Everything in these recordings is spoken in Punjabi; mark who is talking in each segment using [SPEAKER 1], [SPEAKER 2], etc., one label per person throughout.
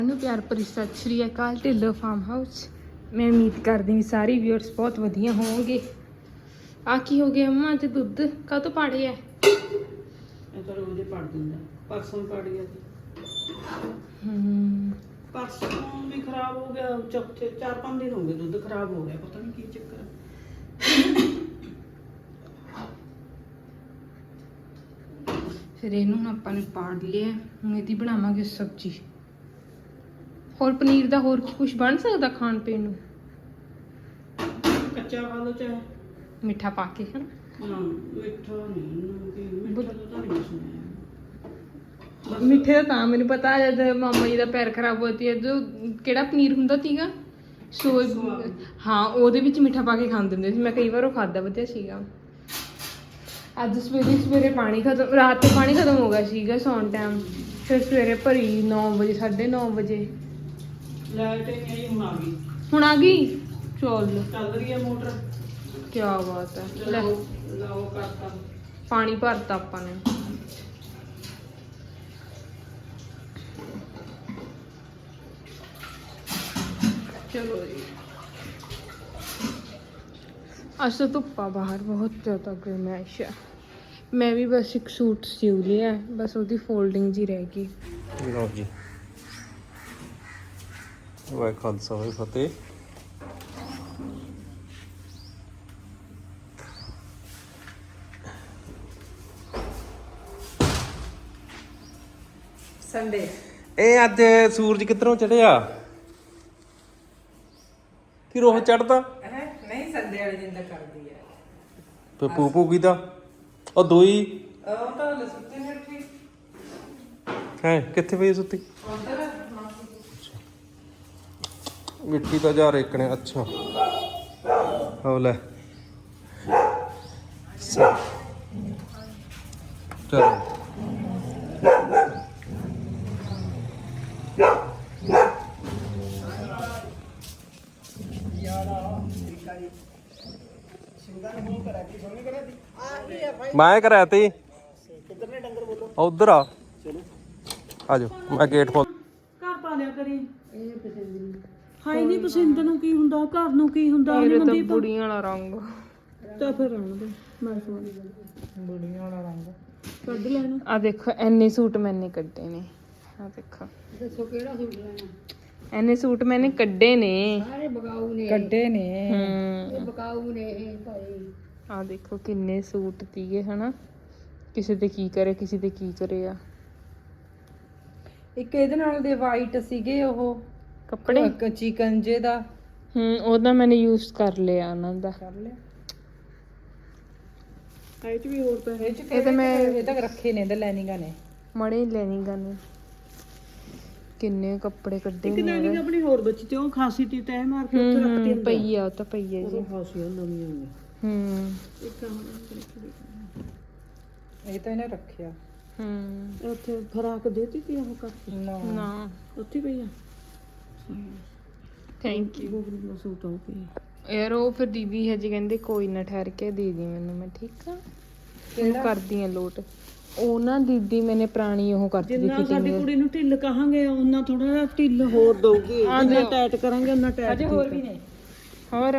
[SPEAKER 1] ਨੂੰ ਪਿਆਰ ਭਰੀ ਸਤਿ ਸ਼੍ਰੀ ਅਕਾਲ ਢਿੱਲੋਂ ਫਾਰਮ ਹਾਊਸ। ਮੈਂ ਉਮੀਦ ਕਰਦੀ ਹਾਂ ਸਾਰੇ ਵਿਊਅਰਸ ਬਹੁਤ ਵਧੀਆ ਹੋਣਗੇ। ਆ ਕੀ ਹੋ ਗਿਆ ਮੰਮਾ ਤੇ ਦੁੱਧ ਕਾਹਤੋਂ ਪਾੜਿਆ?
[SPEAKER 2] ਇਹ ਤਾਂ ਰੋਜ਼ ਹੀ ਪੜ ਦਿੰਦਾ, ਪਰਸੋਂ ਪੜ ਗਿਆ ਸੀ। ਪਰਸੋਂ ਵੀ ਖਰਾਬ ਹੋ ਗਿਆ, ਚੌਥੇ 4-5 ਦਿਨ ਹੋ ਗਏ ਦੁੱਧ ਖਰਾਬ ਹੋ ਗਿਆ, ਪਤਾ ਨਹੀਂ ਕੀ ਚੱਕਰ ਹੈ।
[SPEAKER 1] ਫਿਰ ਇਹਨੂੰ ਆਪਾਂ ਨੇ ਪਾੜ ਲਿਆ। ਹੁਣ ਇਹਦੀ ਬਣਾਵਾਂਗੇ ਸਬਜ਼ੀ। ਹੋਰ ਪਨੀਰ ਦਾ ਹੋਰ ਕੀ ਕੁਝ ਬਣ ਸਕਦਾ ਖਾਣ ਪੀਣ ਨੂੰ?
[SPEAKER 2] ਕੱਚਾ ਖਾ ਲਓ ਚਾਹੇ
[SPEAKER 1] ਮਿੱਠਾ ਪਾ ਕੇ ਹੈ
[SPEAKER 2] ਨਾ। ਮਿੱਠਾ ਨਹੀਂ, ਮਿੱਠਾ ਤਾਂ ਨਹੀਂ ਸੁਣਿਆ।
[SPEAKER 1] ਮਿੱਠੇ ਦਾ ਤਾਂ ਮੈਨੂੰ ਪਤਾ ਜਦ ਮਾਮਾ ਜੀ ਦਾ ਪੈਰ ਖਰਾਬ ਹੋਇਆ ਸੀ, ਜੋ ਕਿਹੜਾ ਪਨੀਰ ਹੁੰਦਾ ਸੀਗਾ ਸੋਏ, ਹਾਂ ਉਹਦੇ ਵਿੱਚ ਮਿੱਠਾ ਪਾ ਕੇ ਖਾਂਦੇ ਹੁੰਦੇ ਸੀ। ਮੈਂ ਕਈ ਵਾਰ ਉਹ ਖਾਦਾ, ਵਧੀਆ ਸੀਗਾ। ਅੱਜ ਸਵੇਰੇ ਪਾਣੀ ਖਤਮ, ਰਾਤ ਤੇ ਪਾਣੀ ਖਤਮ ਹੋ ਗਿਆ ਸੀਗਾ ਸੌਣ ਟਾਈਮ। ਫਿਰ ਸਵੇਰੇ ਭਰੀ 9 ਵਜੇ 9:30 ਵਜੇ
[SPEAKER 2] ਲਾਈਟ ਨਹੀਂ ਆਈ, ਹੁਣ ਆ ਗਈ।
[SPEAKER 1] ਹੁਣ ਆ ਗਈ,
[SPEAKER 2] ਚੱਲ ਰਹੀ ਹੈ ਮੋਟਰ।
[SPEAKER 1] ਕੀ ਬਾਤ ਹੈ। ਲੈ
[SPEAKER 2] ਲਾਓ ਕਰਤਾ,
[SPEAKER 1] ਪਾਣੀ ਭਰਤਾ ਆਪਾਂ ਨੇ। ਚਲੋ ਜੀ, ਅੱਜ ਤਾਂ ਧੁੱਪਾ ਬਾਹਰ ਬਹੁਤ ਜ਼ਿਆਦਾ ਗਰਮੈਸ਼ ਹੈ। ਮੈਂ ਵੀ ਬਸ ਇੱਕ ਸੂਟ ਸਿਉ ਲਿਆ, ਬਸ ਉਹਦੀ ਫੋਲਡਿੰਗ ਜੀ ਰਹਿ ਗਈ।
[SPEAKER 3] ਲਓ ਜੀ, ਵਾਹਿ ਖਾਲਸਾ ਵਾਹਿ ਫਤਿਹ।
[SPEAKER 1] ਸੰਡੇ
[SPEAKER 3] ਇਹ ਅੱਜ ਸੂਰਜ ਕਿੱਧਰੋਂ ਚੜਿਆ ਕਿ ਰੋਹ ਚੜਦਾ?
[SPEAKER 2] ਨਹੀਂ, ਸੰਡੇ ਵਾਲੇ ਦਿਨ ਦਾ ਕਰਦੀ ਹੈ।
[SPEAKER 3] ਤੇ ਪੂ ਕੀ ਦਾ ਉਹ ਦੋਈ
[SPEAKER 2] ਉਹ ਤਾਂ ਲਸੁੱਤੇ ਨੇ ਰੱਖੀ
[SPEAKER 3] ਹੈ ਕਿੱਥੇ ਪਈ ਸੁੱਤੀ? ਮਿੱਠੀ ਤਾਂ ਜਾ ਰੇਕ ਨੇ। ਅੱਛਾ ਹੋ ਲੈ ਚਲੋ ਮੈਂ ਕਰਾਇਆ ਤੀ ਉਧਰ ਆ ਜਾਓ। ਮੈਂ ਗੇਟ ਖੋਲ।
[SPEAKER 2] ਘਰ ਪਾ ਲਿਆ ਕਰੀ। ਇਹ ਪਸੰਦ ਨਹੀਂ ਹਾਈ ਨਹੀਂ, ਪਸੰਦ ਨੂੰ ਕੀ ਹੁੰਦਾ, ਘਰ ਨੂੰ ਕੀ ਹੁੰਦਾ?
[SPEAKER 1] ਮੇਰੇ ਤਾਂ ਬੁੜੀਆਂ ਵਾਲਾ ਰੰਗ
[SPEAKER 2] ਤਾਂ ਫਿਰ ਰਹਿਣ ਦੇ, ਮੈਂ ਸੋਚ ਬੁੜੀਆਂ ਵਾਲਾ ਰੰਗ ਕੱਢ ਲੈਣਾ।
[SPEAKER 1] ਆ ਦੇਖੋ, ਐਨੇ ਸੂਟ ਮੈਨੇ ਕੱਢੇ ਨੇ। ਆ ਦੇਖੋ,
[SPEAKER 2] ਦੱਸੋ ਕਿਹੜਾ ਸੂਟ ਲੈਣਾ?
[SPEAKER 1] ਐਨੇ ਸੂਟ ਮੈਨੇ ਕੱਢੇ ਨੇ।
[SPEAKER 2] ਸਾਰੇ ਬਗਾਊ ਨੇ ਕੱਢੇ ਨੇ।
[SPEAKER 1] ਇਹ
[SPEAKER 2] ਬਗਾਊ ਨੇ ਇਹ ਭਾਈ।
[SPEAKER 1] ਆ ਦੇਖੋ ਕਿੰਨੇ ਸੂਟ ਤੀਗੇ ਹਨਾ, ਕਿਸੇ ਤੇ ਕੀ ਕਰੇ, ਕਿਸੇ ਤੇ ਕੀ ਕਰੇ। ਆ
[SPEAKER 2] ਇੱਕ ਇਹਦੇ ਨਾਲ ਦੇ ਵਾਈਟ ਸੀਗੇ ਉਹ
[SPEAKER 1] ਕੱਪੜੇ
[SPEAKER 2] ਚਿਕਨ ਜੇ ਦਾ।
[SPEAKER 1] ਉਹਦਾ ਮੈਨੇ ਯੂਜ਼ ਕਰ ਲਿਆ ਉਹਨਾਂ ਦਾ।
[SPEAKER 2] ਕਰ ਲਿਆ ਇਹ ਚ ਵੀ ਹੋਰ ਤਾਂ ਹੈ।
[SPEAKER 1] ਇਹ ਤਾਂ ਮੈਂ
[SPEAKER 2] ਇਹ ਤੱਕ ਰੱਖੇ ਨੇ, ਇਹਦੇ ਲੈਨਿੰਗਾਂ ਨੇ
[SPEAKER 1] ਮੜੇ ਲੈਣੀ ਗਾਣੇ। ਕਿੰਨੇ ਕੱਪੜੇ ਕੱਢੇ
[SPEAKER 2] ਇੱਕ
[SPEAKER 1] ਨੇ।
[SPEAKER 2] ਲੈਨਿੰਗ ਆਪਣੀ ਹੋਰ ਬੱਚੀ ਤੇ ਉਹ ਖਾਸੀ ਤੀ ਤੈ ਮਾਰ ਕੇ ਉੱਥੇ ਰੱਖਤੀ ਹੁੰਦੀ
[SPEAKER 1] ਪਈ ਆ, ਉਹ ਤਾਂ ਪਈ ਆ ਜੀ।
[SPEAKER 2] ਉਹ ਖਾਸੀਆਂ ਨਵੀਆਂ ਨੇ। ਇੱਕ ਇਹ ਤਾਂ ਇਹਨੇ ਰੱਖਿਆ। ਉੱਥੇ ਫਰਾਕ ਦੇਤੀ ਤੀ ਉਹ ਕਰਕੇ
[SPEAKER 1] ਨਾ
[SPEAKER 2] ਉੱਥੇ ਪਈ ਆ।
[SPEAKER 1] Thank you.
[SPEAKER 2] ਗੋਬਰੀ ਸੂਟ ਹੋ ਕੇ
[SPEAKER 1] ਯਾਰ ਉਹ ਫਿਰ ਦੀਦੀ ਹਜੇ ਕਹਿੰਦੇ ਕੋਈ ਨਾ ਠਹਿਰ ਕੇ ਦੇ ਦੀ ਮੈਨੂੰ। ਮੈਂ ਠੀਕ ਆ, ਕਿਹੜਾ ਕਰਦੀ ਆ ਲੋਟ। ਉਹ ਨਾ ਦੀਦੀ ਮੈਨੇ ਪੁਰਾਣੀ ਉਹ ਕਰਤੀ ਸੀ
[SPEAKER 2] ਜਿੰਨਾ ਸਾਡੀ ਕੁੜੀ ਨੂੰ ਢਿੱਲ ਕਹਾਂਗੇ ਉਹਨਾਂ ਥੋੜਾ ਜਿਹਾ ਢਿੱਲ ਹੋਰ ਦਊਗੀ। ਜਿੰਨਾ ਟਾਈਟ ਕਰਾਂਗੇ ਉਹਨਾਂ ਟਾਈਟ। ਅਜੇ ਹੋਰ ਵੀ ਨੇ।
[SPEAKER 1] ਹੋਰ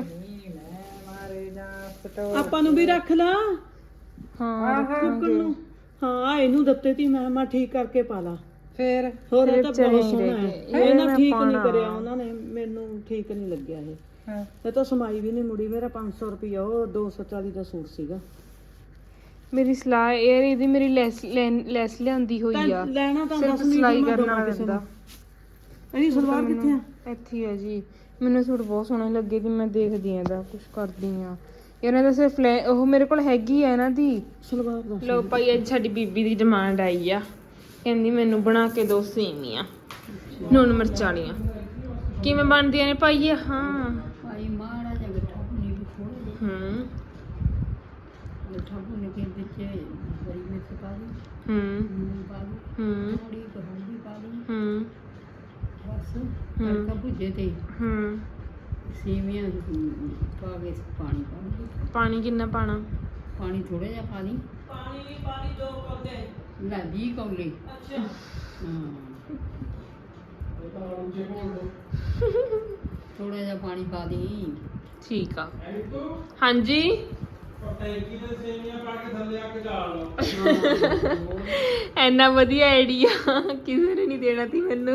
[SPEAKER 2] ਆਪਾਂ ਨੂੰ ਵੀ ਰੱਖ ਲਾ।
[SPEAKER 1] ਹਾਂ
[SPEAKER 2] ਫੁੱਕਣ ਨੂੰ। ਹਾਂ ਇਹਨੂੰ ਦਿੱਤੇ ਤੀ ਮੈਂ ਠੀਕ ਕਰਕੇ ਪਾ ਲਾ। ਫੇਰ ਹੋਰ ਇਹ ਤਾਂ ਬਹੁਤ ਸੋਹਣਾ ਹੈ। ਇਹ ਨਾ ਠੀਕ ਨਹੀਂ ਕਰਿਆ ਉਹਨਾਂ ਨੇ, ਮੈਨੂੰ ਠੀਕ ਨਹੀਂ ਲੱਗਿਆ ਇਹ। ਇਹ ਤਾਂ ਸਮਾਈ ਵੀ ਨਹੀਂ ਮੁੜੀ। ਮੇਰਾ 500 ਰੁਪਇਆ ਉਹ 240 ਦਾ ਸੂਟ ਸੀਗਾ।
[SPEAKER 1] ਮੇਰੀ ਸਲਾਹ ਇਹ ਇਹਦੀ ਮੇਰੀ ਲੈਸ ਲਿਆਂਦੀ ਹੋਈ ਆ।
[SPEAKER 2] ਲੈਣਾ ਤਾਂ
[SPEAKER 1] ਸਿਰਫ ਸਿਲਾਈ ਕਰਨਾ ਪੈਂਦਾ।
[SPEAKER 2] ਇਹਦੀ ਸਲਵਾਰ ਕਿੱਥੇ ਆ?
[SPEAKER 1] ਇੱਥੇ ਆ ਜੀ। ਮੈਨੂੰ ਸੂਟ ਬਹੁਤ ਸੋਹਣੇ ਲੱਗੇ ਤੇ ਮੈਂ ਦੇਖਦੀ ਆ ਇਹਦਾ ਕੁਝ ਕਰਦੀ ਆ। ਇਹਨਾਂ ਦਾ ਸਿਰਫ ਉਹ ਮੇਰੇ ਕੋਲ ਹੈਗੀ ਆ ਇਹਨਾਂ ਦੀ
[SPEAKER 2] ਸਲਵਾਰ ਦਾ।
[SPEAKER 1] ਲੋ ਭਾਈ, ਅੱਜ ਸਾਡੀ ਬੀਬੀ ਦੀ ਡਿਮਾਂਡ ਆਈ ਆ। ਕਹਿੰਦੀ ਮੈਨੂੰ ਬਣਾ ਕੇ ਦੋ ਸੇਵੀਆਂ ਨੂਣ ਮਿਰਚ ਵਾਲੀਆਂ। ਕਿਵੇਂ ਬਣਦੀਆਂ ਨੇ ਭਾਈ? ਹਾਂ
[SPEAKER 2] ਭਾਈ ਮਾੜਾ ਜਿਹਾ ਮਿੱਠਾ ਭੁੰਨੀ ਵੀ ਥੋੜਾ ਜਿਹਾ ਮਿੱਠਾ ਭੁੰਨ ਕੇ ਵਿੱਚ ਹਰੀ ਮਿਰਚ ਪਾ ਦੀ, ਨੂਣ ਪਾ ਦੀ, ਥੋੜੀ ਹਲਦੀ ਪਾ ਦੀ। ਬਸ ਤੜਕਾ ਭੁੱਜੇ ਤੇ ਸੇਵੀਆਂ ਪਾ ਕੇ ਪਾਣੀ ਪਾ ਦੇ।
[SPEAKER 1] ਪਾਣੀ ਕਿੰਨਾ ਪਾਣਾ?
[SPEAKER 2] ਪਾਣੀ ਥੋੜਾ ਜਿਹਾ ਪਾ ਦੀ। ਪਾਣੀ 2 ਕੌਲੇ ਲੈ 20 ਕੌਲੇ। ਅੱਛਾ ਹਾਂ ਥੋੜਾ ਜਿਹਾ ਪਾਣੀ ਪਾ ਦੇ।
[SPEAKER 1] ਠੀਕ ਆ ਹਾਂਜੀ
[SPEAKER 3] ਟੈਂਕੀ ਦੇ ਸੇਵੀਆਂ ਪਾ ਕੇ ਥੱਲੇ ਆ ਕੇ ਢਾਲ ਲਓ।
[SPEAKER 1] ਇੰਨਾ ਵਧੀਆ ਆਈਡੀਆ ਕਿਸੇ ਨੇ ਨਹੀਂ ਦੇਣਾ ਸੀ ਮੈਨੂੰ।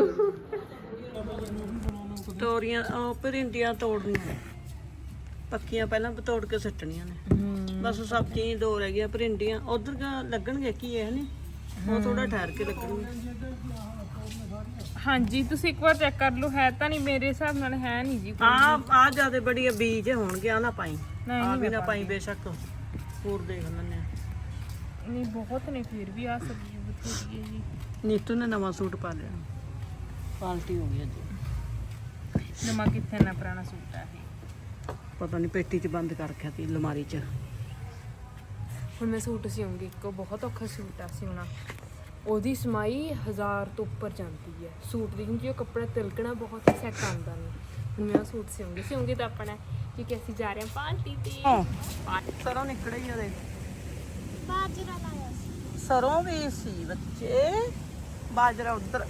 [SPEAKER 4] ਤੋਰੀਆਂ ਉਹ ਭਰਿੰਡੀਆਂ ਤੋੜਨੀਆਂ ਪੱਕੀਆਂ ਪਹਿਲਾਂ ਤੋੜ ਕੇ ਸੁੱਟਣੀਆਂ ਨੇ। ਬਸ ਸਬਜ਼ੀਆਂ ਹੀ ਦੋ ਰਹਿ ਗਈਆਂ ਭਰਿੰਡੀਆਂ। ਉਧਰ ਲੱਗਣਗੇ ਕੀ ਇਹ ਨੇ ਉਹ ਥੋੜਾ ਠਹਿਰ ਕੇ ਲੱਗਣਗੇ।
[SPEAKER 1] ਹਾਂਜੀ ਤੁਸੀਂ ਇੱਕ ਵਾਰ ਚੈੱਕ ਕਰ ਲਓ ਹੈ ਤਾਂ ਨਹੀਂ ਮੇਰੇ ਹਿਸਾਬ ਨਾਲ ਹੈ ਨਹੀਂ ਜੀ
[SPEAKER 4] ਆ ਜਿਆਦਾ ਬੜੀ ਬੀਜ ਹੋਣਗੇ ਆ ਨਾ ਪਾਈ
[SPEAKER 1] ਨਹੀਂ,
[SPEAKER 4] ਆ ਵੀ ਨਾ ਪਾਈ ਬੇਸ਼ੱਕ ਹੋਰ ਦੇਖ ਲੈਂਦੇ ਆ।
[SPEAKER 1] ਨਹੀਂ ਬਹੁਤ ਨੇ ਫਿਰ ਵੀ ਆ ਸਬਜ਼ੀ ਬਥੇਰੀ ਹੈ ਜੀ।
[SPEAKER 4] ਨੀਤੂ ਨੇ ਨਵਾਂ ਸੂਟ ਪਾ ਲਿਆ ਪਾਲਟੀ ਹੋ ਗਈ ਅੱਜ।
[SPEAKER 1] ਨਵਾਂ ਕਿੱਥੇ ਨਾ ਪੁਰਾਣਾ ਸੂਟ ਆ ਇਹ।
[SPEAKER 4] ਪਤਾ ਨਹੀਂ ਪੇਟੀ 'ਚ ਬੰਦ ਕਰ ਰੱਖਿਆ ਤੀ ਅਲਮਾਰੀ 'ਚ।
[SPEAKER 1] ਹੁਣ ਮੈਂ ਸੂਟ ਸਿਉਂਗੀ ਇੱਕੋ ਬਹੁਤ ਔਖਾ ਸੂਟ ਆ ਸਿਉਣਾ। ਉਹਦੀ ਸਮਾਈ 1000 ਤੋਂ ਉੱਪਰ ਜਾਂਦੀ ਹੈ ਸੂਟ ਦੀ ਕਿਉਂਕਿ ਉਹ ਕੱਪੜਾ ਤਿਲਕਣਾ ਬਹੁਤ ਸੈੱਟ ਆਉਂਦਾ ਨਹੀਂ। ਹੁਣ ਮੈਂ ਉਹ ਸੂਟ ਸਿਉਂਗੀ ਤਾਂ ਆਪਣਾ ਕਿਉਂਕਿ ਅਸੀਂ ਜਾ ਰਹੇ ਹਾਂ ਪਾਰਟੀ ਤੇ।
[SPEAKER 4] ਸਰੋਂ ਨਿਕੜੇ ਹੀ ਉਹਦੇ
[SPEAKER 5] ਬਾਜਰਾ ਲਾਇਆ ਸੀ।
[SPEAKER 4] ਸਰੋਂ ਵੀ ਸੀ ਬੱਚੇ ਬਾਜਰਾ ਉਧਰ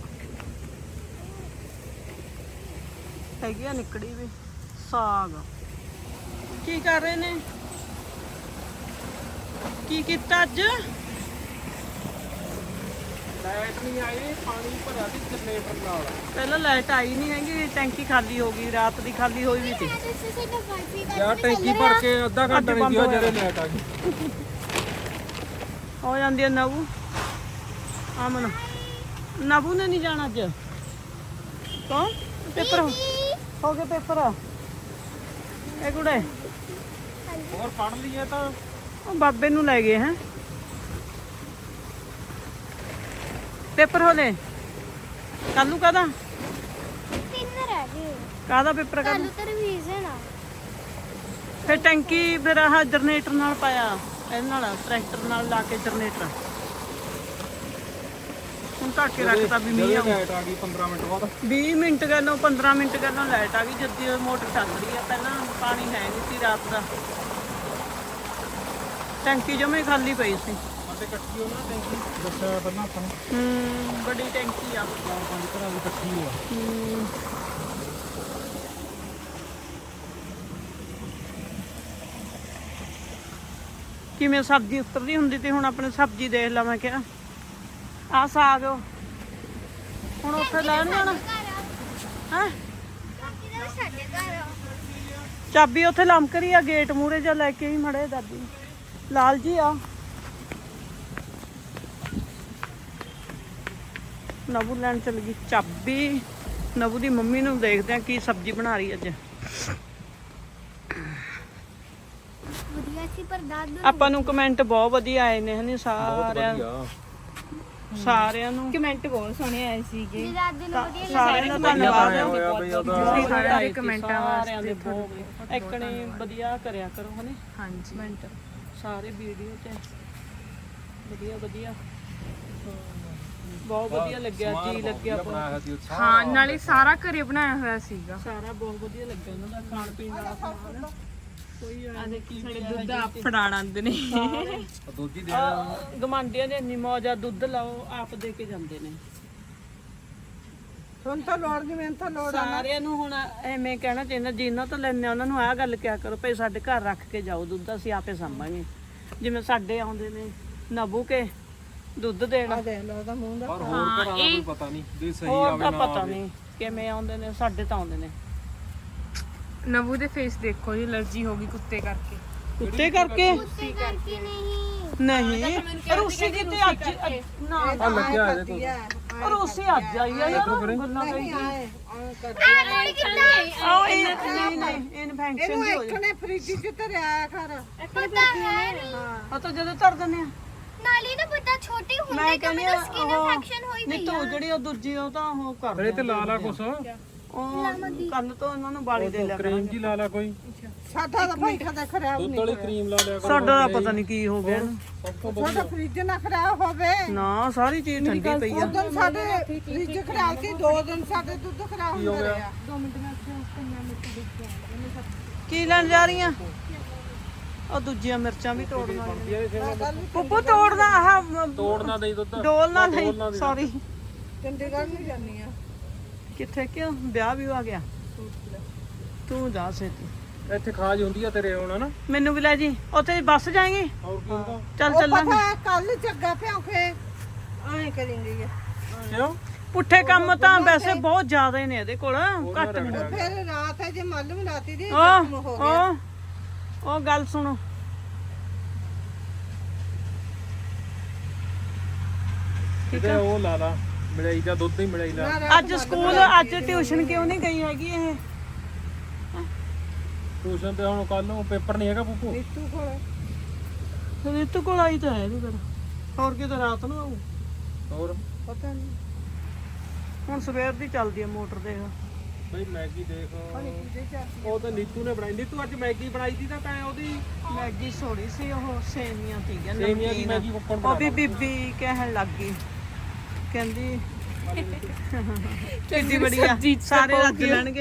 [SPEAKER 4] ਹੈਗੀ ਆ ਨਿਕੜੀ ਵੀ ਸਾਗ। ਕੀ ਕਰ ਰਹੇ ਨੇ ਕੀ ਕੀਤਾ ਅੱਜ?
[SPEAKER 3] ਲਾਈਟ ਨਹੀਂ ਆਈ ਪਾਣੀ ਭਰਿਆ ਸੀ ਜਨਰੇਟਰ ਨਾਲ।
[SPEAKER 4] ਪਹਿਲਾਂ ਲਾਈਟ ਆਈ ਨਹੀਂ ਹੈਗੀ ਟੈਂਕੀ ਖਾਲੀ ਹੋ ਗਈ ਰਾਤ ਦੀ ਖਾਲੀ ਹੋਈ ਵੀ ਸੀ।
[SPEAKER 3] ਯਾਰ ਟੈਂਕੀ ਭਰ ਕੇ ਅੱਧਾ ਘੰਟਾ ਨਹੀਂ ਦਿਓ ਜਿਹੜੇ ਲਾਈਟ ਆ ਗਈ।
[SPEAKER 4] ਹੋ ਜਾਂਦੀ ਹੈ ਨਵੂ ਆਮਨ ਨਵੂ ਨੇ ਨਹੀਂ ਜਾਣਾ ਅੱਜ। ਕੌਣ ਪੇਪਰ ਹੋ ਗਏ ਪੇਪਰ ਇਹ ਕੁੜੇ
[SPEAKER 3] ਹੋਰ ਪੜ ਲਈਏ ਤਾਂ
[SPEAKER 4] ਉਹ ਬਾਬੇ ਨੂੰ ਲੈ ਗਏ ਹੈ ਪੇਪਰ ਹੋਲੇ ਕੱਲੂ ਕਾਹਦਾ
[SPEAKER 5] 3 ਰਹਿ ਗਏ।
[SPEAKER 4] ਕਾਹਦਾ ਪੇਪਰ ਕੱਲ
[SPEAKER 5] ਕੱਲ ਤਾਂ ਰਿਵੀਜ਼ਨ ਆ।
[SPEAKER 4] ਫਿਰ ਟੈਂਕੀ ਫਿਰ ਆਹ ਜਨਰੇਟਰ ਨਾਲ ਪਾਇਆ ਇਹਦੇ ਨਾਲ ਟਰੈਕਟਰ ਨਾਲ ਲਾ ਕੇ ਜਨਰੇਟਰ ਹੁਣ ਢੱਕ ਕੇ ਰੱਖਤਾ ਵੀ ਮੀਂਹ ਆਉ।
[SPEAKER 3] ਲਾਈਟ ਆ ਗਈ 15 ਮਿੰਟ ਬਾਅਦ।
[SPEAKER 4] 20 ਮਿੰਟ ਗੱਲੋਂ 15 ਮਿੰਟ ਗੱਲੋਂ ਲਾਈਟ ਆ ਗਈ ਜਦ ਮੋਟਰ ਚੱਲ ਰਹੀ ਆ। ਪਹਿਲਾਂ ਪਾਣੀ ਹੈ ਨਹੀਂ ਸੀ ਰਾਤ ਦਾ ਟੈਂਕੀ ਜਮੇ ਖਾਲੀ ਪਈ ਸੀ।
[SPEAKER 3] ਸਾਡੇ ਇਕੱਠੀ ਹੋ ਨਾ ਟੈਂਕੀ ਦੱਸਿਆ ਪਹਿਲਾਂ ਆਪਾਂ ਨੂੰ
[SPEAKER 4] ਬੜੀ ਟੈਂਕੀ ਆ
[SPEAKER 3] 4-5 ਘਰਾਂ ਦੀ ਇਕੱਠੀ ਹੋਆ।
[SPEAKER 4] ਕਿਵੇਂ ਸਬਜ਼ੀ ਉਤਰਦੀ ਹੁੰਦੀ ਤੇ ਹੁਣ ਆਪਣੇ ਸਬਜ਼ੀ ਦੇਖ ਲਾ। ਮੈਂ ਕਿਹਾ ਆ ਸਾਗ ਹੁਣ ਉੱਥੇ ਲੈਣ ਜਾਣਾ ਹੈ।
[SPEAKER 5] ਕਿਹਦਾ ਸਾਡੇ ਘਰ ਆ।
[SPEAKER 4] ਚਾਬੀ ਉੱਥੇ ਲਮਕ ਰਹੀ ਆ ਗੇਟ ਮੂਹਰੇ ਜਾ ਲੈ ਕੇ ਹੀ ਮੜੇ ਦਾਦੀ ਲਾਲ ਜੀ ਆ। ਨਬੂ ਲੈਣ ਚਲ ਗਈ ਚਾਬੀ। ਨਬੂ ਦੀ ਮੰਮੀ ਨੂੰ ਦੇਖਦੇ ਆ ਕੀ ਸਬਜ਼ੀ ਬਣਾ ਰਹੀ ਅੱਜ।
[SPEAKER 5] ਵਧੀਆ ਸੀ ਪਰ ਦਾਦੂ
[SPEAKER 4] ਆਪਾਂ ਨੂੰ ਕਮੈਂਟ ਬਹੁਤ ਵਧੀਆ ਆਏ ਨੇ ਹਨੀ ਸਾਰਿਆਂ ਨੂੰ
[SPEAKER 1] ਕਮੈਂਟ ਬਹੁਤ ਸੋਹਣੇ ਆਏ ਸੀਗੇ।
[SPEAKER 5] ਜੀ ਦਾਦੂ ਨੂੰ ਵਧੀਆ
[SPEAKER 4] ਸਾਰਿਆਂ ਦਾ ਧੰਨਵਾਦ
[SPEAKER 3] ਹੋਇਆ ਬਈ ਉਹਦਾ
[SPEAKER 1] ਸਾਰਿਆਂ ਦੇ ਕਮੈਂਟਾਂ
[SPEAKER 4] ਸਾਰਿਆਂ ਦੇ
[SPEAKER 1] ਵਾਸਤੇ
[SPEAKER 4] ਬਹੁਤ ਇੱਕਣੇ ਵਧੀਆ ਕਰਿਆ ਕਰੋ ਹਨੀ
[SPEAKER 1] ਹਾਂਜੀ
[SPEAKER 4] ਕਮੈਂਟ ਸਾਰੇ ਵੀਡੀਓ ਤੇ ਵਧੀਆ ਵਧੀਆ ਬਹੁਤ ਵਧੀਆ ਲੱਗਿਆ ਜੀ ਲੱਗਿਆ
[SPEAKER 3] ਬਣਾਇਆ ਸੀ ਉੱਥੇ।
[SPEAKER 1] ਹਾਂ ਨਾਲੇ ਸਾਰਾ ਘਰੇ ਬਣਾਇਆ ਹੋਇਆ ਸੀਗਾ।
[SPEAKER 4] ਸਾਰਾ ਬਹੁਤ ਵਧੀਆ ਲੱਗਿਆ ਉਹਨਾਂ ਦਾ ਖਾਣ ਪੀਣ ਦਾ ਸਮਾਨ ਕੋਈ
[SPEAKER 1] ਆ ਦੇਖੀ ਸਾਡੇ ਦੁੱਧ ਆਪ ਫੜਾਣ ਆਉਂਦੇ ਨੇ।
[SPEAKER 3] ਦੋਜੀ ਦੇ
[SPEAKER 4] ਗਮਾਂਡੀਆਂ ਦੇ ਇੰਨੀ ਮੌਜ ਆ ਦੁੱਧ ਲਾਓ ਆਪ ਦੇ ਕੇ ਜਾਂਦੇ ਨੇ।
[SPEAKER 2] ਹੁਣ ਤਾਂ ਲੋੜ ਨਹੀਂ ਮੈਨੂੰ ਤਾਂ ਲੋੜ
[SPEAKER 4] ਸਾਰਿਆਂ ਨੂੰ ਹੁਣ ਐਵੇਂ ਕਹਿਣਾ ਚਾਹੀਦਾ ਜਿਨ੍ਹਾਂ ਤੋਂ ਲੈਣੇ ਉਹਨਾਂ ਨੂੰ ਆਹ ਗੱਲ ਕਿਹਾ ਕਰੋ ਭਈ ਸਾਡੇ ਘਰ ਰੱਖ ਕੇ ਜਾਓ ਦੁੱਧ ਅਸੀਂ ਆਪੇ ਸਾਂਭਾਂਗੇ। ਜਿਵੇਂ ਸਾਡੇ ਆਉਂਦੇ ਨੇ ਨਬੂ ਕੇ ਦੁੱਧ ਦੇਣਾ
[SPEAKER 2] ਦੇਖ ਲਓ ਉਹਦਾ ਮੂੰਹ ਦਾ।
[SPEAKER 3] ਪਰ ਹੋਰ ਘਰਾਂ ਦਾ ਕੋਈ ਪਤਾ ਨਹੀਂ ਵੀ ਸਹੀ
[SPEAKER 4] ਹੋਰ
[SPEAKER 3] ਆਵੇ
[SPEAKER 4] ਤਾਂ
[SPEAKER 3] ਨਾ
[SPEAKER 4] ਪਤਾ
[SPEAKER 3] ਆਵੇ।
[SPEAKER 4] ਨਹੀਂ ਕਿਵੇਂ ਆਉਂਦੇ ਨੇ ਸਾਡੇ ਤਾਂ ਆਉਂਦੇ ਨੇ
[SPEAKER 1] ਨਵੂ ਦੇ ਫੇਸ ਦੇਖੋ ਜੀ ਅਲਰਜੀ ਹੋ ਗਈ ਕੁੱਤੇ ਕਰਕੇ।
[SPEAKER 4] ਕੁੱਤੇ ਕਰਕੇ
[SPEAKER 5] ਕੁੱਤੇ ਕਰਕੇ
[SPEAKER 4] ਨਹੀਂ ਪਰ ਉਸੇ ਦੀ ਤੇ ਅੱਜ ਨਾ
[SPEAKER 3] ਆ ਲੱਗਿਆ ਇਹਦੇ ਕੋਲ
[SPEAKER 4] ਪਰ ਉਸੇ ਅੱਜ ਆਈ ਆ ਯਾਰ ਗੱਲਾਂ ਕਰੀ
[SPEAKER 5] ਨਹੀਂ
[SPEAKER 4] ਆਹ ਇਹ ਨਹੀਂ ਇਨਫੈਕਸ਼ਨ ਦੀ ਹੋ ਜਾ
[SPEAKER 2] ਨੇ ਫ੍ਰਿਜ 'ਚ ਧਰਿਆ ਕਰ।
[SPEAKER 5] ਪਤਾ ਹੈ ਨਹੀਂ
[SPEAKER 4] ਆ ਤਾਂ ਜਦੋਂ ਧਰ ਦਿੰਦੇ ਆ
[SPEAKER 5] ਨਾਲੀ ਨਾ ਪਤਾ ਛੋਟੀ ਹੁੰਦੀ
[SPEAKER 4] ਮੈਂ
[SPEAKER 5] ਕਿ
[SPEAKER 4] ਕਹਿੰਦੀ
[SPEAKER 5] ਮੈਨੂੰ ਸਕਿਨ ਇਨਫੈਕਸ਼ਨ ਹੋਈ
[SPEAKER 4] ਨਹੀਂ ਤੂੰ ਜਿਹੜੀ ਉਹ ਦੂਜੀ ਉਹ ਤਾਂ ਉਹ ਕਰ
[SPEAKER 3] ਇਹ ਤੇ ਲਾ ਲਾ ਕੁਛ
[SPEAKER 4] ਉਹ ਕੱਲ ਤੋਂ ਇਹਨਾਂ ਨੂੰ ਬਾਲੀ ਦੇ ਲਿਆ
[SPEAKER 3] ਕਰੀਮ ਜੀ ਲਾ ਲਾ ਕੋਈ
[SPEAKER 2] ਸਾਡਾ ਤਾਂ ਭਾਈ ਖਾਦਾ ਖਰਾਬ
[SPEAKER 3] ਦੁੱਧ ਵਾਲੀ ਕਰੀਮ ਲਾ ਲਿਆ ਕਰੋ।
[SPEAKER 4] ਸਾਡਾ ਤਾਂ ਪਤਾ ਨਹੀਂ ਕੀ ਹੋ ਗਿਆ ਇਹਨੂੰ।
[SPEAKER 3] ਸਭ ਤੋਂ
[SPEAKER 2] ਸਾਡਾ ਫ੍ਰਿਜ ਨਾ ਖਰਾਬ ਹੋਵੇ।
[SPEAKER 4] ਨਾ ਸਾਰੀ ਚੀਜ਼ ਠੰਡੀ ਪਈ ਆ
[SPEAKER 2] ਉਦੋਂ ਸਾਡੇ ਫ੍ਰਿਜ ਖਰਾਬ ਸੀ 2 ਦਿਨ ਸਾਡੇ ਦੁੱਧ ਖਰਾਬ ਹੁੰਦਾ ਰਿਹਾ।
[SPEAKER 4] ਕੀ ਲੈਣ ਜਾ ਰਹੀਆਂ ਉਹ ਦੂਜੀਆਂ ਮਿਰਚਾਂ ਵੀ ਤੋੜਨਾ ਪੁੱਪੂ ਤੋੜਨਾ ਆਹ
[SPEAKER 3] ਤੋੜਨਾ ਦੇ ਦੁੱਧ
[SPEAKER 4] ਡੋਲ ਨਾ ਨਹੀਂ ਸੌਰੀ
[SPEAKER 2] ਚੰਡੀਗੜ੍ਹ ਨੂੰ ਜਾਂਦੀ ਆ
[SPEAKER 4] ਕਿੱਥੇ ਕਿਉਂ ਵਿਆਹ ਵੀ ਆ ਗਿਆ ਤੂੰ ਜਾ ਛੇਤੀ
[SPEAKER 3] ਇੱਥੇ ਖਾਜ ਹੁੰਦੀ ਆ ਤੇਰੇ ਹੁਣ ਨਾ
[SPEAKER 4] ਮੈਨੂੰ ਵੀ ਲੈ ਜੀ ਉੱਥੇ ਬੱਸ ਜਾਏਗੀ
[SPEAKER 3] ਹੋਰ ਕੀ ਹੁੰਦਾ
[SPEAKER 4] ਚੱਲ ਚੱਲਾਂਗੇ
[SPEAKER 2] ਕੱਲ ਚੱਗਾ ਭਿਆਂਖੇ ਐਂ ਕਰਿੰਗੇ
[SPEAKER 3] ਕਿਉਂ
[SPEAKER 4] ਪੁੱਠੇ ਕੰਮ ਤਾਂ ਵੈਸੇ ਬਹੁਤ ਜ਼ਿਆਦਾ ਨੇ ਇਹਦੇ ਕੋਲ ਘੱਟ ਨਹੀਂ
[SPEAKER 2] ਫਿਰ ਰਾਤ ਹੈ ਜੇ ਮਾਲੂਮ ਲਾਤੀ ਦੀ
[SPEAKER 4] ਉਹ ਗੱਲ ਸੁਣੋ
[SPEAKER 3] ਕਿਤੇ ਉਹ ਲਾ ਲਾ ਮਲਾਈ ਦਾ ਦੁੱਧ ਹੀ ਮਲਾਈ ਲਾ
[SPEAKER 4] ਅੱਜ ਸਕੂਲ ਅੱਜ ਟਿਊਸ਼ਨ ਕਿਉਂ ਨਹੀਂ ਗਈ ਹੈਗੀ ਇਹ
[SPEAKER 3] ਟਿਊਸ਼ਨ ਤੇ ਹੁਣ ਕੱਲ ਨੂੰ ਪੇਪਰ ਨਹੀਂ ਹੈਗਾ ਪੂਪੂ
[SPEAKER 4] ਰਿਤੂ ਕੋਲ ਆਈ ਤਾਂ ਹੈ ਨਹੀਂ ਫਿਰ ਹੋਰ ਕਿਤੇ ਰਾਤ ਨੂੰ ਆਊ
[SPEAKER 3] ਹੋਰ
[SPEAKER 4] ਪਤਾ ਨਹੀਂ ਹੁਣ ਸਵੇਰ ਦੀ ਚੱਲਦੀ ਆ ਮੋਟਰ ਦੇਖ
[SPEAKER 3] ਬਈ ਮੈਗੀ ਦੇਖ ਉਹ ਤਾਂ ਨੀਤੂ ਨੇ ਬਣਾਈ ਨੀਤੂ ਅੱਜ ਮੈਗੀ ਬਣਾਈ ਸੀ ਤਾਂ ਤੈਂ ਉਹਦੀ
[SPEAKER 4] ਮੈਗੀ ਸੋੜੀ ਸੀ ਉਹ ਸੇਵੀਆਂ ਤੀਆਂ
[SPEAKER 3] ਸੇਵੀਆਂ ਦੀ ਮੈਗੀ ਕੁੱਕਣ
[SPEAKER 4] ਉਹ ਵੀ ਬੀਬੀ ਕਹਿਣ ਲੱਗ ਗਈ ਕਹਿੰਦੀ ਕਿੱਡੀ ਬੜੀਆ ਸਾਰੇ ਰੱਜ ਲੈਣਗੇ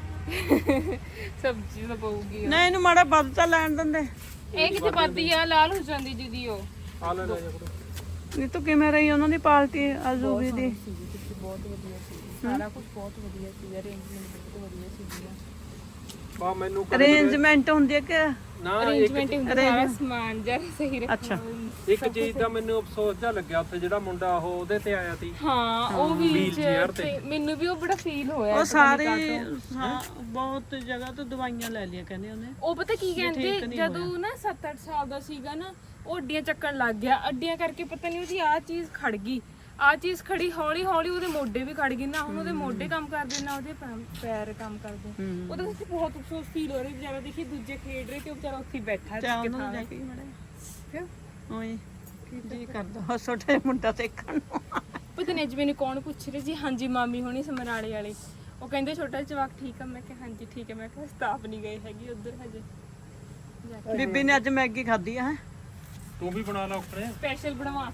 [SPEAKER 1] ਸਬਜ਼ੀ ਤਾਂ ਪਊਗੀ
[SPEAKER 4] ਨਹੀਂ ਇਹਨੂੰ ਮਾੜਾ ਵੱਧ ਤਾਂ ਲੈਣ ਦਿੰਦੇ
[SPEAKER 1] ਇਹ ਕਿਤੇ ਵੱਧਦੀ ਆ ਲਾਲ ਹੋ ਜਾਂਦੀ ਦੀਦੀ ਉਹ
[SPEAKER 3] ਆ ਲੈ ਲੈ ਜਾ ਕਰੋ
[SPEAKER 4] ਨਹੀਂ ਤੂੰ ਕਿਵੇਂ ਰਹੀ ਉਹਨਾਂ ਦੀ ਪਾਰਟੀ ਅਜ਼ੂਬੀ ਦੀ
[SPEAKER 1] ਬਹੁਤ ਵਧੀਆ ਸੀ ਸਾਰਾ ਕੁਝ ਬਹੁਤ ਵਧੀਆ ਸੀ ਅਰੇਂਜਮੈਂਟ ਬਹੁਤ ਵਧੀਆ ਸੀ
[SPEAKER 3] ਬਾ ਮੈਨੂੰ
[SPEAKER 4] ਅਰੇਂਜਮੈਂਟ ਹੁੰਦੀ ਹੈ ਕਿ
[SPEAKER 3] ਨਾ
[SPEAKER 1] ਅਰੇਂਜਮੈਂਟ ਹੁੰਦਾ ਸਾਰਾ ਸਮਾਨ ਜਰ ਸਹੀ ਰੱਖਿਆ
[SPEAKER 4] ਅੱਛਾ
[SPEAKER 3] ਇੱਕ ਚੀਜ਼ ਦਾ ਮੈਨੂੰ ਅਫਸੋਸ ਜਿਹਾ ਲੱਗਿਆ ਉੱਥੇ ਜਿਹੜਾ ਮੁੰਡਾ ਉਹ ਉਹਦੇ ਤੇ ਆਇਆ ਸੀ
[SPEAKER 1] ਹਾਂ ਉਹ ਵੀ
[SPEAKER 3] wheelchair ਤੇ।
[SPEAKER 1] ਮੈਨੂੰ ਵੀ ਉਹ ਬੜਾ ਫੀਲ ਹੋਇਆ
[SPEAKER 4] ਉਹ ਸਾਰੇ ਬਹੁਤ ਜਗ੍ਹਾ ਤੋਂ ਦਵਾਈਆਂ ਲੈ ਲਿਆ ਕਹਿੰਦੇ ਉਹਨੇ
[SPEAKER 1] ਉਹ ਪਤਾ ਕੀ ਕਹਿੰਦੇ ਜਦੋਂ ਨਾ 7-8 ਸਾਲ ਦਾ ਸੀਗਾ ਨਾ ਉਹ ਅੱਡੀਆਂ ਚੱਕਣ ਲੱਗ ਗਿਆ ਅੱਡੀਆਂ ਕਰਕੇ ਪਤਾ ਨਹੀਂ ਉਹਦੀ ਆਹ ਚੀਜ਼ ਖੜ ਗਈ ਆਹ ਚੀਜ਼ ਖੜੀ ਹੌਲੀ ਹੌਲੀ ਉਹਦੇ ਮੋਢੇ ਵੀ ਖੜ ਗਏ ਨਾ ਹੁਣ ਉਹਦੇ ਮੋਢੇ ਕੰਮ ਕਰਦੇ ਨਾ ਉਹਦੇ ਪੈਰ ਕੰਮ ਕਰਦੇ ਉਹਦੇ ਵਿੱਚ ਬਹੁਤ ਅਫਸੋਸ ਫੀਲ ਹੋ ਰਿਹਾ ਵਿਚਾਰਾ ਦੇਖੀ ਦੂਜੇ ਖੇਡ ਰਹੇ ਤੇ ਉਹ ਵਿਚਾਰਾ ਉੱਥੇ ਹੀ ਬੈਠਾ
[SPEAKER 4] ਚਾਹ
[SPEAKER 1] ਸੀ
[SPEAKER 4] ਉਹਨਾਂ ਜਾ ਕੇ ਮੜੇ ਓਏ ਜੀ ਕਰਦਾ ਹੋ ਛੋਟੇ ਮੁੰਡਾ ਦੇਖਣ ਨੂੰ
[SPEAKER 1] ਪਤਾ ਨਹੀਂ ਅੱਜ ਮੈਨੂੰ ਕੌਣ ਪੁੱਛ ਰਿਹਾ ਸੀ ਹਾਂਜੀ ਮਾਮੀ ਹੋਣੀ ਸਮਰਾਲੇ ਵਾਲੇ ਉਹ ਕਹਿੰਦੇ ਛੋਟਾ ਜਵਾਕ ਠੀਕ ਆ ਮੈਂ ਕਿਹਾ ਹਾਂਜੀ ਠੀਕ ਹੈ ਮੈਂ ਕਿਹਾ ਸਟਾਫ ਨਹੀਂ ਗਏ ਹੈਗੀ ਉਧਰ ਹਜੇ
[SPEAKER 4] ਬੀਬੀ ਨੇ ਅੱਜ ਮੈਗੀ ਖਾਧੀ ਆ ਹੈ
[SPEAKER 3] ਤੂੰ ਵੀ ਬਣਾ ਲਾ ਉੱਪਰੇ
[SPEAKER 1] ਸਪੈਸ਼ਲ ਬਣਵਾ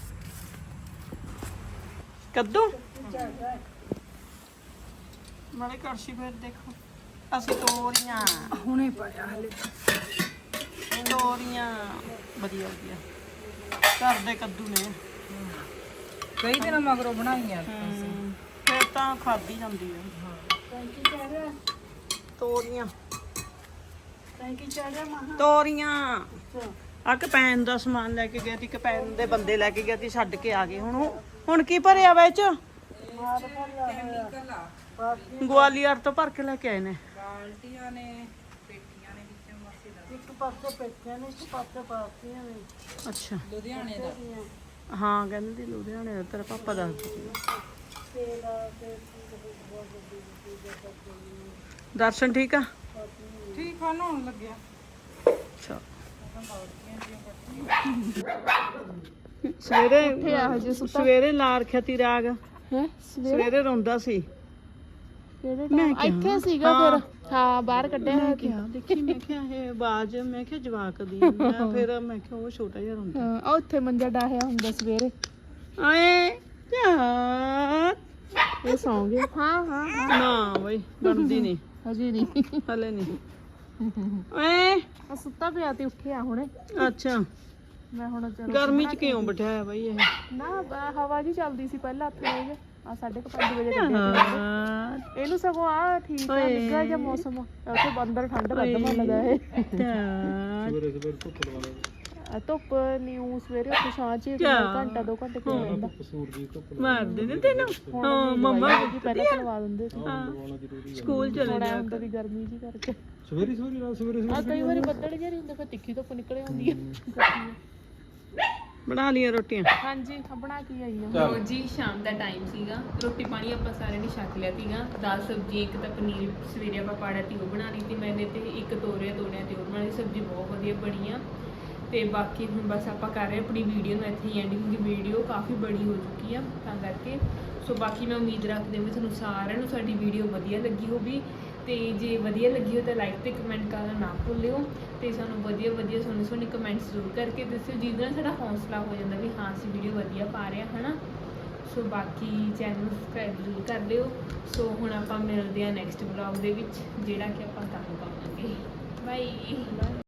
[SPEAKER 4] ਕੱਦੂ ਮਾੜੇ ਕੜਛੀ ਫਿਰ ਦੇਖੋ ਅਸੀਂ ਤੋਰੀਆਂ
[SPEAKER 1] ਹੁਣੇ ਪਾਇਆ ਹਲੇ
[SPEAKER 4] ਤੋਰੀਆਂ ਵਧੀਆ ਵਧੀਆ ਘਰ ਦੇ ਕੱਦੂ ਨੇ
[SPEAKER 2] ਕਈ ਦਿਨਾਂ ਮਗਰੋਂ ਬਣਾਈਆਂ
[SPEAKER 4] ਫਿਰ ਤਾਂ ਖਾਧੀ ਜਾਂਦੀ ਹੈ ਤੋਰੀਆਂ ਤੋਰੀਆਂ ਆ ਕਪੈਨ ਦਾ ਸਮਾਨ ਲੈ ਕੇ ਗਿਆ ਸੀ ਕਪੈਨ ਦੇ ਬੰਦੇ ਲੈ ਕੇ ਗਿਆ ਸੀ ਛੱਡ ਕੇ ਆ ਗਏ ਹੁਣ ਕੀ ਭਰਿਆ ਵਿੱਚ ਗਵਾਲੀਅਰ ਤੋਂ ਭਰ ਕੇ ਲੈ ਕੇ ਆਏ ਨੇ
[SPEAKER 2] ਬਾਲਟੀਆਂ ਨੇ ਪੇਟੀਆਂ ਨੇ ਵਿੱਚੋਂ ਮਸੀਂ ਇੱਕ ਪਾਸੇ ਪੇਟੀਆਂ ਨੇ ਇੱਕ ਪਾਸੇ ਪਾਤੀਆਂ ਨੇ
[SPEAKER 4] ਅੱਛਾ
[SPEAKER 2] ਲੁਧਿਆਣੇ ਦਾ
[SPEAKER 4] ਹਾਂ ਕਹਿੰਦੇ ਸੀ ਲੁਧਿਆਣੇ ਦਾ ਤੇਰਾ ਪਾਪਾ ਦੱਸਦਾ ਦਰਸ਼ਨ ਠੀਕ ਆ
[SPEAKER 2] ਠੀਕ ਆ ਨਹਾਉਣ ਲੱਗਿਆ
[SPEAKER 4] ਅੱਛਾ ਸਵੇਰੇ ਲਾ ਰੱਖਿਆ ਤੀ ਰਾਗ
[SPEAKER 1] ਹੈ
[SPEAKER 4] ਸਵੇਰੇ ਰੋਂਦਾ ਸੀ
[SPEAKER 1] ਕਿਹੜੇ
[SPEAKER 4] ਮੈਂ
[SPEAKER 1] ਇੱਥੇ ਸੀਗਾ ਫਿਰ ਹਾਂ ਬਾਹਰ ਕੱਢਿਆ ਹੋਇਆ ਸੀ
[SPEAKER 4] ਦੇਖੀ ਮੈਂ ਕਿਹਾ ਇਹ ਆਵਾਜ਼ ਮੈਂ ਕਿਹਾ ਜਵਾਕ ਦੀ ਮੈਂ ਫਿਰ ਮੈਂ ਕਿਹਾ ਉਹ ਛੋਟਾ ਜਿਹਾ ਰੋਂਦਾ
[SPEAKER 1] ਹਾਂ ਉਹ ਉੱਥੇ ਮੰਜਾ ਡਾਹਿਆ ਹੁੰਦਾ ਸਵੇਰੇ
[SPEAKER 4] ਆਏ ਯਾਰ
[SPEAKER 1] ਇਹ ਸੌਂ ਗਏ ਹਾਂ
[SPEAKER 4] ਨਾ ਬਈ ਬਣਦੀ ਨਹੀਂ
[SPEAKER 1] ਹਜੇ ਨਹੀਂ
[SPEAKER 4] ਹਲੇ ਨਹੀਂ ਏ
[SPEAKER 1] ਆ ਸੁੱਤਾ ਪਿਆ ਤੇ ਉੱਠਿਆ ਹੁਣੇ
[SPEAKER 4] ਅੱਛਾ
[SPEAKER 1] ਮੈਂ ਹੁਣ ਚਲੋ
[SPEAKER 4] ਗਰਮੀ ਚ ਕਿਉਂ ਬਿਠਾਇਆ ਬਈ ਇਹ
[SPEAKER 1] ਨਾ ਹਵਾ ਜੀ ਚੱਲਦੀ ਸੀ ਪਹਿਲਾਂ ਹੱਥ ਲੈ ਆ 5:30 ਵਜੇ
[SPEAKER 4] ਯਾਰ
[SPEAKER 1] ਇਹਨੂੰ ਸਗੋਂ ਆ ਠੀਕ ਆ ਨਿੱਘਾ ਜਿਹਾ ਮੌਸਮ ਉੱਥੇ ਅੰਦਰ ਠੰਡ ਵੱਧ ਮੰਨਦਾ ਇਹ
[SPEAKER 3] ਸਵੇਰੇ ਸਵੇਰੇ ਧੁੱਪ ਲਵਾ ਲੈ
[SPEAKER 1] ਧੁੱਪ ਨਿਊ ਸਵੇਰੇ ਉੱਥੇ ਛਾਂ ਚ ਘੰਟਾ 2 ਘੰਟੇ ਕਿਉਂ ਰਹਿੰਦਾ
[SPEAKER 3] ਕਸੂਰ ਦੀ ਧੁੱਪ
[SPEAKER 4] ਮਾਰਦੇ ਨੇ ਤੈਨੂੰ ਹਾਂ ਮੰਮਾ
[SPEAKER 1] ਪਹਿਲਾਂ ਕਰਵਾ ਦਿੰਦੇ ਸੀ
[SPEAKER 3] ਲਵਾਉਣਾ ਜ਼ਰੂਰੀ
[SPEAKER 4] ਸਕੂਲ ਚਲੇ
[SPEAKER 1] ਥੋੜਾ
[SPEAKER 4] ਜਾ
[SPEAKER 1] ਹੁੰਦਾ ਵੀ ਗਰਮੀ ਜੀ ਕਰਕੇ
[SPEAKER 3] ਸਵੇਰੇ ਸਵੇਰੇ ਰਾਤ ਸਵੇਰੇ
[SPEAKER 1] ਆ ਕਈ ਵਾਰੀ ਬੱਦਲ ਜਿਹੇ ਹੁੰਦੇ ਫਿਰ ਤਿੱਖੀ ਧੁੱਪ ਨਿਕਲੇ ਹੁੰਦੀ ਹੈ
[SPEAKER 4] ਬਣਾ ਲੀਆਂ ਰੋਟੀਆਂ
[SPEAKER 1] ਹਾਂਜੀ ਬਣਾ ਕੇ ਆਈ ਹਾਂ ਲੋ ਜੀ ਸ਼ਾਮ ਦਾ ਟਾਈਮ ਸੀਗਾ ਰੋਟੀ ਪਾਣੀ ਆਪਾਂ ਸਾਰਿਆਂ ਨੇ ਛਕ ਲਿਆ ਸੀਗਾ ਦਾਲ ਸਬਜ਼ੀ ਇੱਕ ਤਾਂ ਪਨੀਰ ਸਵੇਰੇ ਆਪਾਂ ਪਾੜਾ ਤੀ ਉਹ ਬਣਾ ਲਈ ਤੇ ਮੈਨੇ ਤੇ ਇੱਕ ਤੋਰਿਆਂ ਤੇ ਉਹ ਬਣਾ ਲਈ ਸਬਜ਼ੀ ਬਹੁਤ ਵਧੀਆ ਬਣੀ ਆ ਤੇ ਬਾਕੀ ਹੁਣ ਬਸ ਆਪਾਂ ਕਰ ਰਹੇ ਆਪਣੀ ਵੀਡੀਓ ਨੂੰ ਇੱਥੇ ਹੀ ਐਂਡਿੰਗ ਕਿਉਂਕਿ ਵੀਡੀਓ ਕਾਫੀ ਬੜੀ ਹੋ ਚੁੱਕੀ ਆ ਤਾਂ ਕਰਕੇ ਸੋ ਬਾਕੀ ਮੈਂ ਉਮੀਦ ਰੱਖਦੀ ਹਾਂ ਵੀ ਤੁਹਾਨੂੰ ਸਾਰਿਆਂ ਨੂੰ ਸਾਡੀ ਵੀਡੀਓ ਵਧੀਆ ਲੱਗੀ ਹੋਵੇ ਤੇ ਜੇ ਵਧੀਆ ਲੱਗੀ ਹੋ ਤਾਂ ਲਾਈਕ ਤੇ ਕਮੈਂਟ ਕਰਨਾ ਨਾ ਭੁੱਲਿਓ ਤੇ ਸਾਨੂੰ ਵਧੀਆ ਸੋਹਣੇ ਕਮੈਂਟਸ ਜ਼ਰੂਰ ਕਰਕੇ ਦੱਸਿਓ ਜਿਹਦੇ ਨਾਲ ਸਾਡਾ ਹੌਸਲਾ ਹੋ ਜਾਂਦਾ ਵੀ ਹਾਂ ਅਸੀਂ ਵੀਡੀਓ ਵਧੀਆ ਪਾ ਰਹੇ ਹਾਂ ਹਨਾ ਸੋ ਬਾਕੀ ਚੈਨਲ ਸਬਸਕ੍ਰਾਈਬ ਜ਼ਰੂਰ ਕਰ ਲਿਓ ਸੋ ਹੁਣ ਆਪਾਂ ਮਿਲਦੇ ਹਾਂ ਨੈਕਸਟ ਵਲੌਗ ਦੇ ਵਿੱਚ ਜਿਹੜਾ ਕਿ ਆਪਾਂ ਕੱਲ੍ਹ ਪਾਵਾਂਗੇ ਬਾਏ